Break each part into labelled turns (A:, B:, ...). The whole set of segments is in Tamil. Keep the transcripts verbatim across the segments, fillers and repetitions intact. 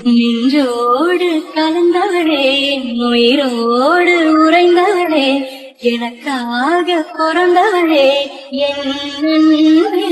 A: நின்றோடு கலந்தவளே, உயிரோடு உறைந்தவளே, எனக்காக பிறந்தவளே, என் அன்பே.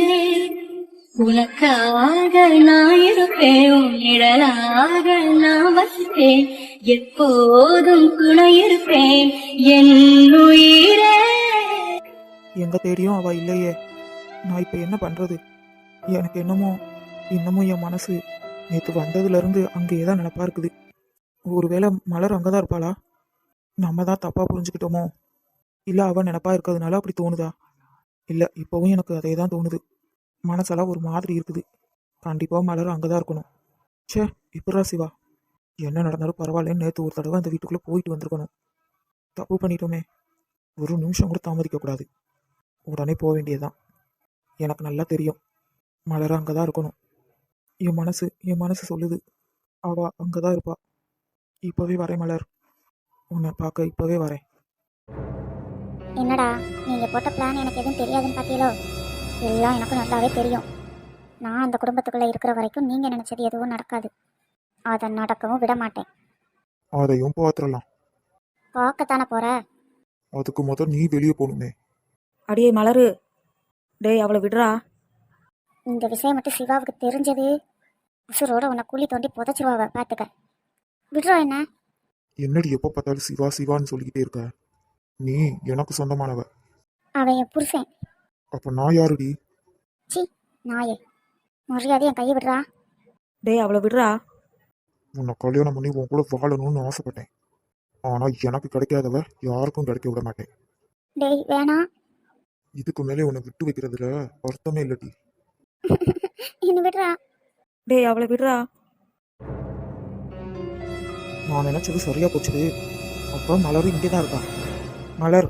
A: உனக்காக நான் இருப்பேன், உன் நிழலாக நான் வசிப்பேன், எப்போதும் துணை இருப்பேன் என் உயிரே.
B: எங்க தேடியும் அவ இல்லையே, நான் இப்ப என்ன பண்றது? எனக்கு என்னமோ இன்னமும் என் மனசு நேற்று வந்ததுல இருந்து அங்கேயே தான் நினப்பா இருக்குது. ஒருவேளை மலர் அங்கதான் இருப்பாளா? நம்ம தான் தப்பா புரிஞ்சுக்கிட்டோமோ? இல்ல அவ நினப்பா இருக்கிறதுனால அப்படி தோணுதா? இல்ல, இப்பவும் எனக்கு அதே தான் தோணுது. மனசெல்லாம் ஒரு மாதிரி இருக்குது. கண்டிப்பா மலர் அங்கதான் இருக்கணும். ச்சே, இப்படா சிவா, என்ன நடந்தாலும் பரவாயில்லன்னு நேற்று ஒரு தடவை அந்த வீட்டுக்குள்ள போயிட்டு வந்திருக்கணும். தப்பு பண்ணிட்டோமே, ஒரு நிமிஷம் கூட தாமதிக்க கூடாது. உடனே போக வேண்டியதுதான். எனக்கு நல்லா தெரியும் மலர் அங்கதான் இருக்கணும். என் மனசு என் மனசு சொல்லுது அவ அங்கதான் இருப்பா. இப்பவே வரேன் மலர், உன்னை பார்க்க இப்பவே வரேன்.
C: என்னடா நீங்க போட்ட பிளான் எனக்கு எதுவும் தெரியாதுன்னு பார்த்தீங்களோ? எல்லாம் எனக்கு நல்லாவே தெரியும். நான் அந்த குடும்பத்துக்குள்ள இருக்கிற வரைக்கும் நீங்க நினைச்சது எதுவும் நடக்காது. அதை நடக்கவும் விட மாட்டேன்.
B: அதையும் பார்த்துடலாம்.
C: பார்க்கத்தானே போற.
B: அதுக்கு முதல் நீ வெளியே போகணுமே.
D: அடியே மலரு, டேய் அவளை விடுறா.
C: இந்த விஷயம் மட்டும் சிவாவுக்கு தெரிஞ்சது, உசுரோட உன்னை குழி தோண்டி புதைச்சிருவாவ, பார்த்துக்க. விடுறா என்ன?
B: என்னடி எப்ப பார்த்தாலும் சிவா சிவான்னு சொல்லிக்கிட்டே இருக்க? நீ எனக்கு சொந்தமானவ.
C: அவன் என் புருஷன்.
B: அப்ப நான் யாருடி?
C: சி நாயே, மரியாதை என் கையை விடுறா.
D: டேய் அவளை விடுறா.
B: உன்னை கல்யாணம் பண்ணி உன் கூட வாழணும்னு ஆசைப்பட்டேன். ஆனா எனக்கு கிடைக்காதவ யாருக்கும் கிடைக்க விட மாட்டேன்.
C: டேய் வேணாம்.
B: இதுக்கு மேலே உன்னை விட்டு வைக்கிறதுல அர்த்தமே இல்லடி.
C: என்ன விடுறா.
D: டேய் அவளை விடுறா.
B: நான் நினைச்சது சரியா போச்சுது. அப்ப மலரும் இங்கேதான் இருக்கா. மலர்,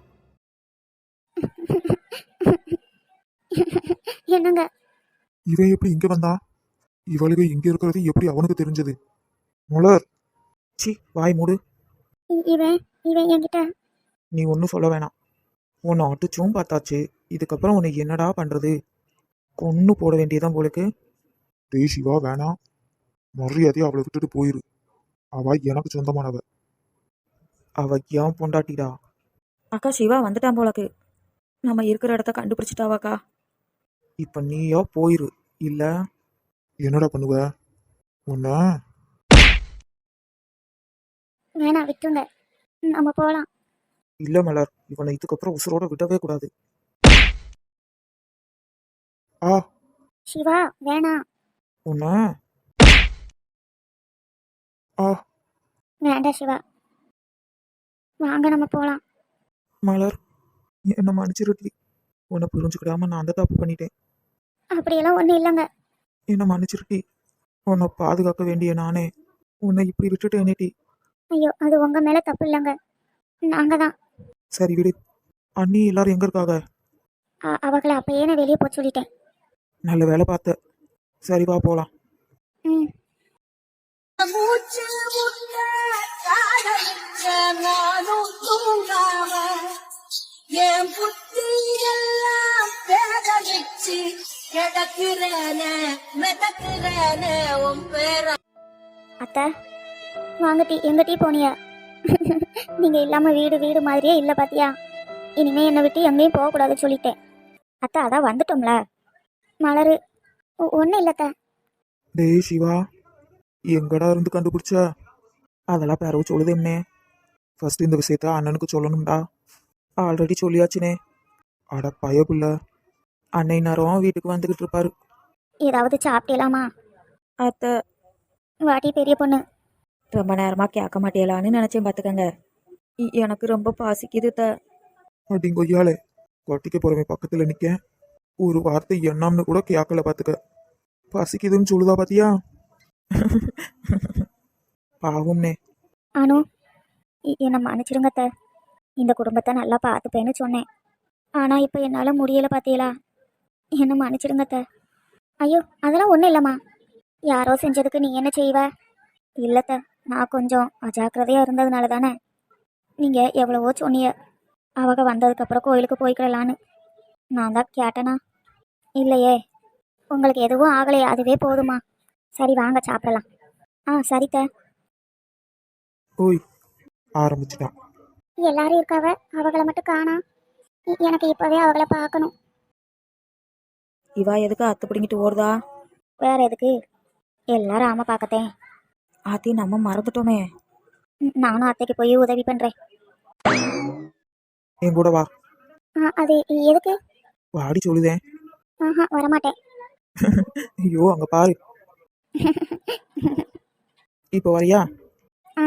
C: என்னங்க?
B: இவன் எப்படி இங்க வந்தா? இவளுக்கு இங்க இருக்கிறது எப்படி அவனுக்கு தெரிஞ்சது? மலர், சி வாய் மூடு.
C: இ- இவன் இவன் என்கிட்ட
B: நீ ஒன்றும் சொல்ல வேணாம். உன்னை அடிச்சும் பார்த்தாச்சு, இதுக்கப்புறம் உன்னை என்னடா பண்றது? கொன்னு போட வேண்டியதான் போலுக்கு. டேய் சிவா, வேணாம். மரியாதையை அவளை விட்டுட்டு போயிரு. அவ எனக்கு சொந்தமானவ. அவ ஏன் பொண்டாட்டிடா.
D: அக்கா சிவா வந்துட்டான் போலக்கு. நம்ம இருக்கிற இடத்த கண்டுபிடிச்சிட்டாவாக்கா.
B: இப்ப நீயா போயிரு, இல்ல என்னடா பண்ணுவ? உன்ன
C: வேணாம், விட்டுருங்க, நம்ம போகலாம்.
B: இல்ல மலர், இவனை இதுக்கப்புறம் உசுரோட விடவே கூடாது. ஆ,
C: சிவா வேணாம்.
B: உன்ன ஆ.
C: வேண்டாம் சிவா, வாங்க நம்ம போகலாம்.
B: மலர், என்ன மன்னிச்சிருட்டி. உன்னை புரிஞ்சுக்கிடாம நான் அந்த தப்பு பண்ணிட்டேன்.
C: அப்படியெல்லாம் ஒன்றும் இல்லைங்க.
B: என்ன மன்னிச்சிருட்டி. உன்னை பாதுகாக்க வேண்டிய நானே உன்னை இப்படி விட்டுட்டேனேட்டி.
C: ஐயோ, அது உங்க மேல தப்பு இல்லைங்க, நாங்க தான்.
B: சரி விடு. அண்ணி எல்லாரும் எங்க இருக்காங்க?
C: அ- அவங்கள அப்பயே நான் வெளியே போக சொல்லிட்டேன்.
B: நல்ல வேலை பார்த்த. சரி வா போலாம்.
C: ம்.
A: மூச்சு முட்ட காதலிச்ச நானும் தூங்காம, என் புத்தி எல்லாம் பேதலிச்சு கிடக்குறேனே மிதக்குறேனே உன் பேர.
C: அத்தை வாங்க டீ. எங்க டீ போனியா? நீங்க இல்லாம வீடு வீடு மாதிரியே இல்லை பாத்தியா. இனிமே என்னை விட்டு எங்கேயும் போகக்கூடாதுன்னு சொல்லிட்டேன். அத்தை அதான் வந்துட்டோம்ல. மலரு ஒன்றும் இல்லத்த.
B: டேய் சிவா, எங்கடா இருந்து கண்டுபிடிச்ச? அதெல்லாம் பேரவு சொல்லுதேம்னே. ஃபர்ஸ்ட் இந்த விஷயத்த அண்ணனுக்கு சொல்லணும்டா. ஆல்ரெடி சொல்லியாச்சுனே. அட பயப்புள்ள, அன்னை நேரம் வீட்டுக்கு வந்துகிட்டு இருப்பாரு.
C: ஏதாவது சாப்பிட்டலாமா?
D: அத்தை
C: வாட்டி பெரிய பொண்ணு.
D: ரொம்ப நேரமா கேட்க மாட்டேலான்னு நினைச்சேன் பார்த்துக்கங்க. இ- எனக்கு ரொம்ப பாசிக்குது த.
B: அப்படிங்கொய்யாலே, கொட்டிக்க போறவன் பக்கத்துல நிக்க ஒரு வார்த்தை எண்ணாம்னு கூட கேட்கல பாத்துக்க. பசிக்குதுன்னு சொல்லுதா பாத்தியா? பாவம்னே.
C: அனு, இ- என்னை மன்னிச்சிடுங்க அத்தை. இந்த குடும்பத்தை நல்லா பார்த்துப்பேன்னு சொன்னேன். ஆனால் இப்போ என்னால் முடியலை பார்த்தீங்களா. என்னை மன்னிச்சிடுங்க அத்தை. ஐயோ அதெல்லாம் ஒன்றும் இல்லைம்மா. யாரோ செஞ்சதுக்கு நீ என்ன செய்வ? இல்லைத்த, நான் கொஞ்சம் அஜாக்கிரதையாக இருந்ததுனால தானே. நீங்கள் எவ்வளவோ சொன்னீங்க அவங்க வந்ததுக்கப்புறம் கோயிலுக்கு போய்க்கிடலான்னு. நான் தான் கேட்டேனா? இல்லையே. உங்களுக்கு எதுவும் ஆகலையே, அதுவே போதுமா. சரி வாங்க சாப்பிடலாம். ஆ சரித்த.
B: ஓய் ஆரம்பிச்சிட்டான்.
C: எல்லாரும் இருக்காவ, அவங்கள மட்டும் காணா. இ- எனக்கு இப்பவே அவங்கள பார்க்கணும்.
D: இவா எதுக்கு அத்து பிடிங்கிட்டு ஓடுதா?
C: வேற எதுக்கு? எல்லாரும் ஆமா பார்க்கத்தேன்.
D: ஆத்தி நம்ம மறந்துட்டோமே.
C: ம், நானும் அத்தைக்கு போய் உதவி பண்றேன்.
B: என் கூட வா.
C: ஆ, அது எதுக்கு?
B: வாடி சொல்லுதேன்.
C: ஆஹா வரமாட்டேன்.
B: ஐயோ அங்க பாரு. இப்போ வரியா?
C: ஆ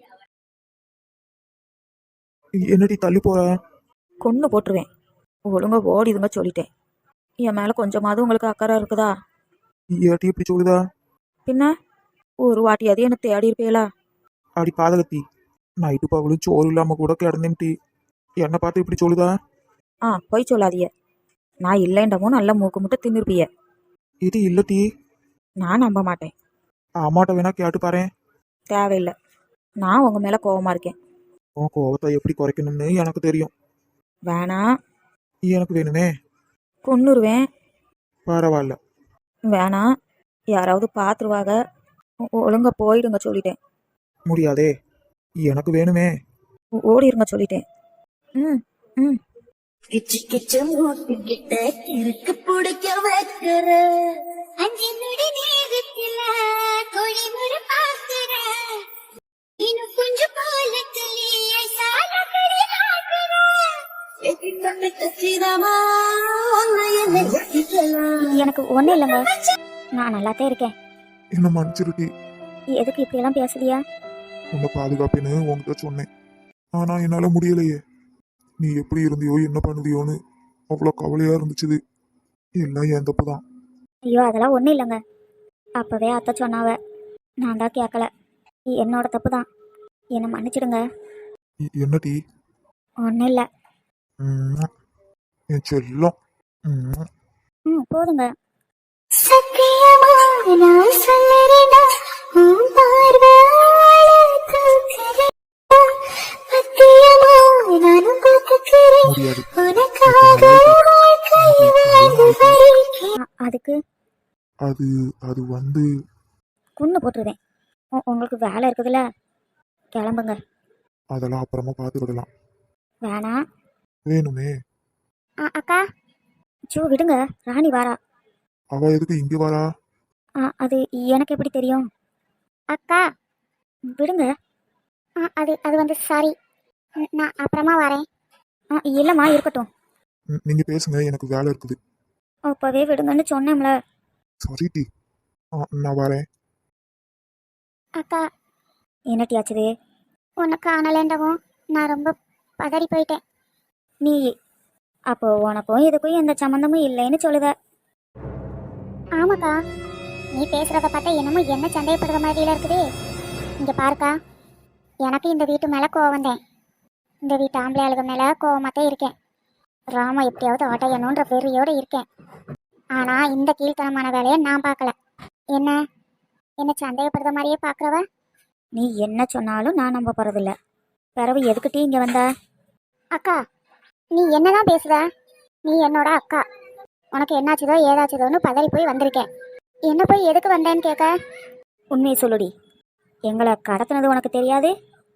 B: என்னடி தள்ளி போற?
D: கொன்று போட்டுருவேன். ஒழுங்கா ஓடிதுங்க சொல்லிட்டேன். என் மேலே கொஞ்சமாவது உங்களுக்கு அக்கறை இருக்குதா?
B: ஏட்டி இப்படி சொல்லுதா?
D: பின்ன ஒரு வாட்டியாவது என்னை தேடி இருப்பேலா?
B: அடி பாதகத்தி, நைட்டு பகலும் சோறு இல்லாம கூட கிடந்தேன்டி, என்னை பார்த்து இப்படி சொல்லுதா?
D: ஆ போய் சொல்லாதிய. நான் இல்லைண்டமோ நல்ல மூக்கு முட்டை தின்னுருப்பிய.
B: இது இல்லட்டி.
D: நான் நம்ப மாட்டேன்.
B: அம்மாட்ட வேணா கேட்டு பாறேன்.
D: தேவையில்லை. நான் உங்கள் மேலே கோவமா இருக்கேன்.
B: உன் கோவத்தை எப்படி குறைக்கணும்னு எனக்கு தெரியும்.
D: வேணாம்.
B: எனக்கு வேணுமே.
D: கொன்னுருவேன்.
B: பரவாயில்ல.
D: வேணாம். யாராவது பார்த்துருவாங்க. ஒ- ஒழுங்கா போயிடுங்க சொல்லிட்டேன்.
B: முடியாதே, எனக்கு வேணுமே.
D: ஓ- ஓடிருங்க சொல்லிட்டேன். ம் ம்
A: கிச்சு கிச்சு மூட்டுக்கிட்ட கிறுக்கு பிடிக்க வைக்கிற அஞ்சு நொடி நேரத்துல கோழி முறை பார்க்கிற இன்னும் கொஞ்சம் பாலத்திலேயே சால கறி ஆக்குற எத்தி தொண்டு கச்சிதமா ஒன்னு என்ன வெட்டிக்கலாம்.
C: எனக்கு ஒன்றும் இல்லைங்க, நான் நல்லாத்தான் இருக்கேன்.
B: என்ன மன்னிச்சிருட்டி.
C: எதுக்கு இப்படியெல்லாம் பேசுறியா?
B: உன்னை பாதுகாப்பேன்னு உங்ககிட்ட சொன்னேன். ஆனா என்னால முடியலையே. நீ எப்படி இருந்தியோ என்ன பண்ணுதியோன்னு அவ்வளோ கவலையா இருந்துச்சு. எல்லாம் என் தப்பு தான்.
C: ஐயோ அதெல்லாம் ஒன்றும் இல்லைங்க. அப்போவே அத்தை சொன்னாவ, நான் தான் கேட்கல. என்னோட தப்பு தான். என்னை மன்னிச்சிடுங்க.
B: இ- என்ன டீ?
C: ஒன்றும் இல்லை.
B: ம்ம். என் செல்லம். ம்ம்.
C: ம் போதுங்க.
A: சத்தியமா நான் சொல்லறேனா உன் பார்வையால தூக்குறேன். சத்தியமா நானும் பார்த்துக்கிறேன்
B: முடியாது.
A: உனக்காக வாழ்க்கை வாழ்ந்து வரைக்கும்.
C: அ- அதுக்கு
B: அது அது வந்து
C: குன்னு போட்டுருவேன். உ- உங்களுக்கு வேலை இருக்குதுல்ல, கிளம்புங்க.
B: அதெல்லாம் அப்புறமா பார்த்துக்கிடலாம்.
C: வேணாம்.
B: வேணுமே.
C: அ- அக்கா சூ விடுங்க, ராணி வாரா.
B: அவ எதுக்கு இங்க வரா?
C: ஆ, அது எனக்கு எப்படி தெரியும்? அக்கா விடுங்க. ஆ, அது அது வந்து சாரி, நான் அப்புறமா வரேன். ஆ இல்லைம்மா இருக்கட்டும்.
B: ம், நீங்க பேசுங்க, எனக்கு வேலை இருக்குது.
C: அப்போவே விடுங்கன்னு சொன்னேன்ல.
B: Sorry D. ஆ, நான் வரேன்.
C: அக்கா என்னட்டியாச்சுது? உன்னை காணலேண்டவும் நான் ரொம்ப பதறி போயிட்டேன். நீ அப்போ உனக்கும் இதுக்கும் எந்த சம்மந்தமும் இல்லைன்னு சொல்லுத. ஆமாக்கா, நீ பேசுறத பார்த்தா என்னமோ என்ன சந்தேகப்படுற மாதிரில இருக்குது. இங்க பாருக்கா, எனக்கு இந்த வீட்டு மேல கோவம் தான். இந்த வீட்டு ஆம்பளை ஆளுக மேல கோவமாத்தான் இருக்கேன். ராமா எப்படியாவது ஆட்டையணுன்ற வெறியோட இருக்கேன். ஆனா இந்த கீழ்த்தனமான வேலையை நான் பார்க்கல. என்ன என்ன சந்தேகப்படுற மாதிரியே பார்க்குறவ நீ என்ன சொன்னாலும் நான் நம்ப போறதில்ல. பிறவு எதுக்கிட்டே இங்க வந்த? அக்கா நீ என்னதான் பேசுத? நீ என்னோட அக்கா. உனக்கு என்னாச்சுதோ ஏதாச்சுதோன்னு பதறி போய் வந்திருக்கேன். என்ன போய் எதுக்கு வந்தேன்னு கேட்க? உண்மையை சொல்லுடி, எங்களை கடத்தினது உனக்கு தெரியாது?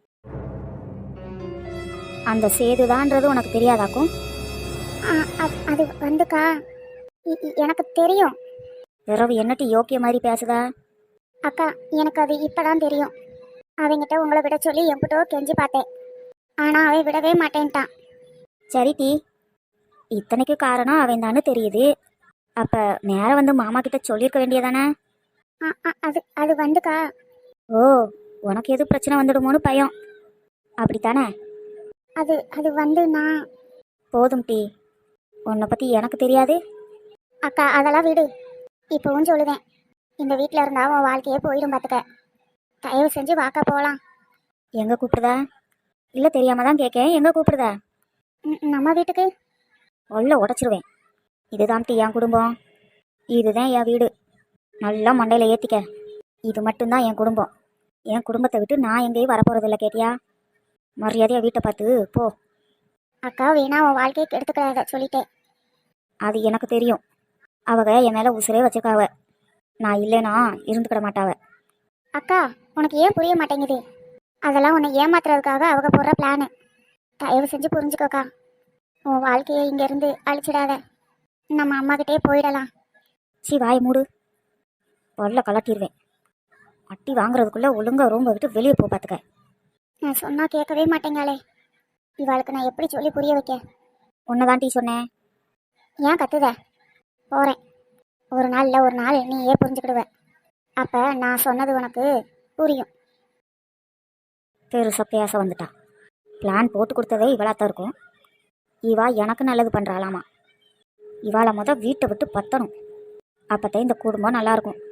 C: அந்த சேதுதான்றது உனக்கு தெரியாதாக்கும்? அது வந்துக்கா எனக்கு தெரியும். பிறவு என்னட்டு யோக்கிய மாதிரி பேசுதா? அக்கா எனக்கு அது இப்பதான் தெரியும். அவங்கிட்ட உங்களை விட சொல்லி எம்பிட்டோ கெஞ்சி பார்த்தேன். ஆனா அவன் விடவே மாட்டேன்ட்டான். சரி டி, இத்தனைக்கு காரணம் அவன் தானே தெரியுது. அப்ப நேரம் வந்து மாமா கிட்ட சொல்லியிருக்க வேண்டியதானே? அது அது வந்துக்கா. ஓ, உனக்கு எது பிரச்சனை வந்துடுமோன்னு பயம் அப்படித்தானே? அது அது வந்து நான் போதும் டி, உன்னை பத்தி எனக்கு தெரியாது. அக்கா அதெல்லாம் விடு. இப்பவும் சொல்லுவேன், இந்த வீட்டில் இருந்தா உன் வாழ்க்கையே போயிடும் பார்த்துக்க. தயவு செஞ்சு வாக்கா போகலாம். எங்க கூப்பிடுதா? இல்லை தெரியாம தான் கேட்கேன், எங்க கூப்பிடுதா? ம், நம்ம வீட்டுக்கு. உள்ள உடச்சிருவேன். இதுதான் டி என் குடும்பம், இதுதான் என் வீடு. நல்லா மண்டையில் ஏற்றிக்க. இது மட்டும்தான் என் குடும்பம். என் குடும்பத்தை விட்டு நான் எங்கேயும் வரப்போறதில்ல, கேட்டியா? மரியாதையாக வீட்டை பார்த்து போ. அக்கா வேணா உன் வாழ்க்கையை கெடுத்துக்கிறாத சொல்லிட்டேன். அது எனக்கு தெரியும். அவங்க என் மேலே உசுரே வச்சிருக்காவ. நான் இல்லைனா இருந்துக்கிட மாட்டாவ. அக்கா உனக்கு ஏன் புரிய மாட்டேங்குது? அதெல்லாம் உன்னை ஏமாத்துறதுக்காக அவங்க போடுற பிளானு. தயவு செஞ்சு புரிஞ்சுக்கோக்கா. உன் வாழ்க்கையை இங்கேருந்து அழிச்சிடாத. நம்ம அம்மாக்கிட்டே போயிடலாம். சி வாய் மூடு. பொருளை கலட்டிடுவேன். அட்டி வாங்குறதுக்குள்ளே ஒழுங்கா ரூம்பை விட்டு வெளியே போ பார்த்துக்க. நான் சொன்னால் கேட்கவே மாட்டேங்காளே. இவாளுக்கு நான் எப்படி சொல்லி புரிய வைக்க? உன்னை தான் டீ சொன்னேன். ஏன் கத்துத? போகிறேன். ஒரு நாள் இல்லை ஒரு நாள் நீ ஏன் புரிஞ்சுக்கிடுவ. அப்போ நான் சொன்னது உனக்கு புரியும். பெருசாக பேச வந்துட்டா. பிளான் போட்டு கொடுத்ததே இவளாத்தான் இருக்கும். இவா எனக்கு நல்லது பண்ணுறாளாமா. இவாளை மொதல் வீட்டை விட்டு பத்தணும். அப்போத்தான் இந்த குடும்பம் நல்லாயிருக்கும்.